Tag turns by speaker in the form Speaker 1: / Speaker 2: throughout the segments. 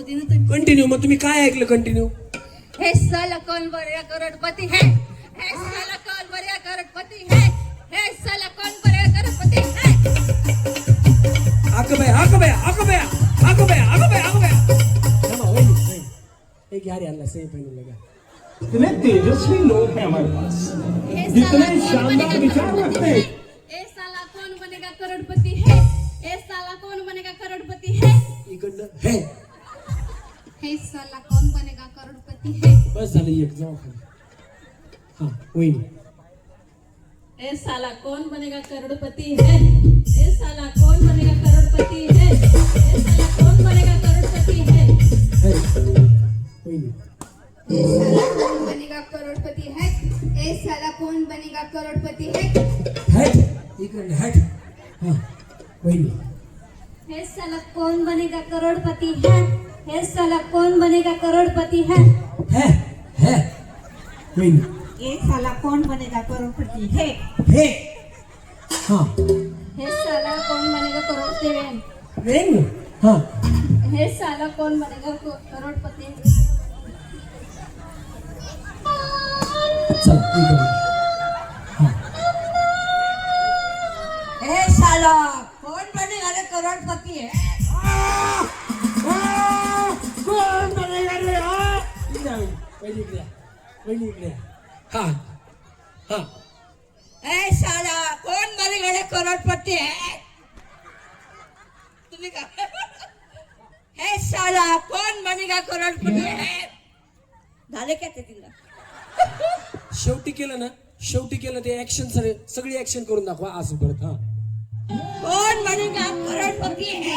Speaker 1: होती ना तुम्ही.
Speaker 2: कंटिन्यू. मग तुम्ही काय ऐकलं कंटिन्यू?
Speaker 1: हे साला कौन बनेगा करोड़पति है, हे साला कौन बनेगा करोड़पति है, हे साला कौन बनेगा करोड़पति है.
Speaker 2: आग बया, आग बया, आग बया, आग बया, आग बया, आग बया. थांबा, वहिनी. एक यार यांना सही पहनून लगा.
Speaker 3: इतने तेजस्वी लोग हैं हमारे पास,
Speaker 1: हे
Speaker 3: इतने
Speaker 1: साला कौन
Speaker 3: शानदार
Speaker 1: बनेगा
Speaker 3: विचार
Speaker 1: करोड़पति
Speaker 3: रखते
Speaker 1: है,
Speaker 3: हैं.
Speaker 1: हे साला कौन बनेगा करोड़पति है, हे साला कौन बनेगा करोड़पति है,
Speaker 2: इकडनं हे.
Speaker 1: हे साला कौन बनेगा करोड़पति है.
Speaker 2: बस झालं एक जाऊ खाली. हा वहिनी.
Speaker 1: ए साला कौन बनेगा करोड़पति है, ए साला कौन बनेगा करोड़पति है, ए साला कौन बनेगा करोड़पति है.
Speaker 2: हे. वहिनी.
Speaker 4: ए साला कौन बनेगा करोड़पति है, ए साला कौन बनेगा करोड़पति है.
Speaker 2: हॅट. इकडनं हॅट. हा वहिनी.
Speaker 1: हे साला कौन बनेगा करोड़पति है, हे साला कौन बनेगा करोड़पति है.
Speaker 2: हे. हे. वहिनी.
Speaker 5: एक साला कौन बनेगा करोड़पति है.
Speaker 2: हे. हा
Speaker 1: हे साला कौन बनेगा करोड़पति है,
Speaker 2: वेन. हा
Speaker 1: हे साला कौन बनेगा करोड़पति है.
Speaker 2: चल इकडनं. हा
Speaker 5: ए साला कौन बनेगा रे करोड़पति है.
Speaker 2: कोण बनेगा रे? हा वहिनी इकडे या. वहिनी इकडे या. हा हा
Speaker 5: ए साला कौन बनेगा रे करोड़पति है. तुम्ही का हे साला कौन बनेगा करोड़पति है. झाले का ते तिला.
Speaker 2: शेवटी केलं ना, शेवटी केलं ते ऍक्शन सगळी ऍक्शन करून दाखवा असं परत. हा
Speaker 5: कौन बनेगा करोड़पति है.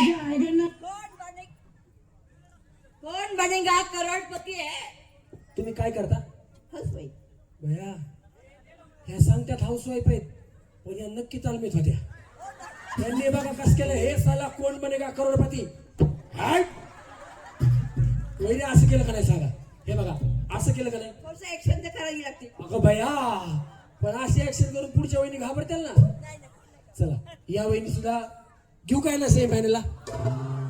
Speaker 5: कौन बनेगा करोड़पति है.
Speaker 2: तुम्ही काय करता?
Speaker 5: हस बाई.
Speaker 2: भया ह्या सांगत्यात हाऊसवाईफ आहेत, पण या नक्की तालमीत होत्या. त्यांनी बघा कस केलं. हे साला कोण बनेगा करोडपती. हाय वहिनी असं केलं का नाही सांगा. हे बघा असं केलं का नाही.
Speaker 5: थोडस ऍक्शन तर करावी लागते.
Speaker 2: अगं भया पण अशी ऍक्शन करून पुढच्या वहिनी घाबरतील ना. चला या वहिनी सुद्धा घेऊ काय ना सेम फायनलला.